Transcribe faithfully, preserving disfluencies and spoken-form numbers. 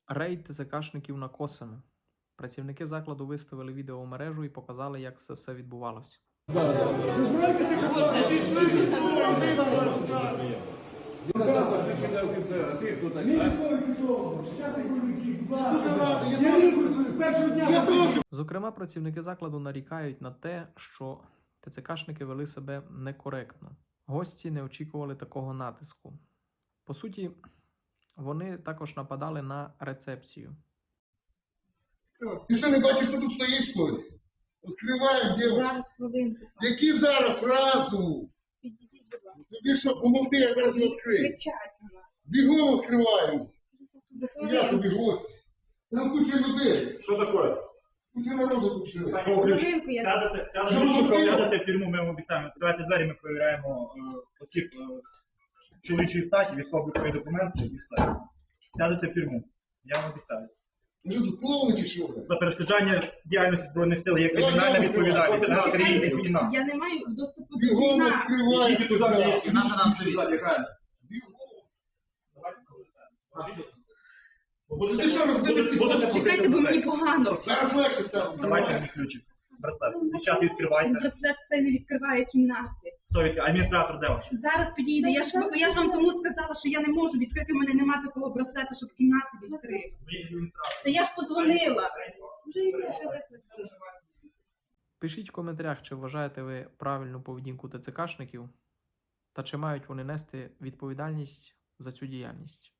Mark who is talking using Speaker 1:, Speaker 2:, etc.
Speaker 1: Рейд ТЦКшників на Косино. Працівники закладу виставили відео у мережу і показали, як це все відбувалося. Зокрема, працівники закладу нарікають на те, що ТЦКшники вели себе некоректно. Гості не очікували такого натиску. По суті, вони також нападали на рецепцію.
Speaker 2: Ти що не бачиш, що тут стоїть, що ли? Відкриваємо, дівчата.
Speaker 3: Зараз хвилинку.
Speaker 2: Які зараз разу?
Speaker 3: Підійдіть, будь ласка.
Speaker 2: Тобі що, помогти, я зараз відкрию.
Speaker 3: Кричать на нас.
Speaker 2: Бігом відкриваємо.
Speaker 3: За
Speaker 2: Я
Speaker 3: хвилинку.
Speaker 2: собі гості. Там куча людей.
Speaker 4: Що таке?
Speaker 2: Куча народу тут живе.
Speaker 3: За хвилинку я
Speaker 4: Сядете,
Speaker 2: Що
Speaker 4: сядете,
Speaker 2: ви робили?
Speaker 4: сядете в тюрму, ми вам обіцяємо. Відкривайте двері, ми перевіряємо е, осіб е, чоловічої статі, військово-облікові документи і все. Сядете в тюрму. Я вам обіцяю.
Speaker 2: Ви що тут клоуни чи що? бля?
Speaker 4: За перешкоджання діяльності Збройних сил є кримінальна відповідальність. Вона країни війна.
Speaker 3: Я не маю доступу до
Speaker 2: Бігом
Speaker 3: кімнати.
Speaker 2: відкриваємо.
Speaker 4: Ідіть туди,
Speaker 2: сказав.
Speaker 4: і наша нам сюди, лягає.
Speaker 2: Бігом.
Speaker 4: Давайте проведемо.
Speaker 2: Ну ти що, розбили стекло?
Speaker 4: Будете
Speaker 3: Чекайте, бо мені погано.
Speaker 2: Зараз легше стало.
Speaker 4: Давайте мені ключик. Браслет. Дівчата, відкривайте.
Speaker 3: Браслет цей не відкриває кімнати.
Speaker 4: Хто відкриває? Адміністратор де ваш?
Speaker 3: Зараз підійде. Я ж, я ж вам тому сказала, що я не можу відкрити. У мене немає такого браслета, щоб кімнати відкрити. Та я ж позвонила. Вже йде, що викликала.
Speaker 1: Пишіть в коментарях, чи вважаєте ви правильну поведінку ТЦКшників та чи мають вони нести відповідальність за цю діяльність.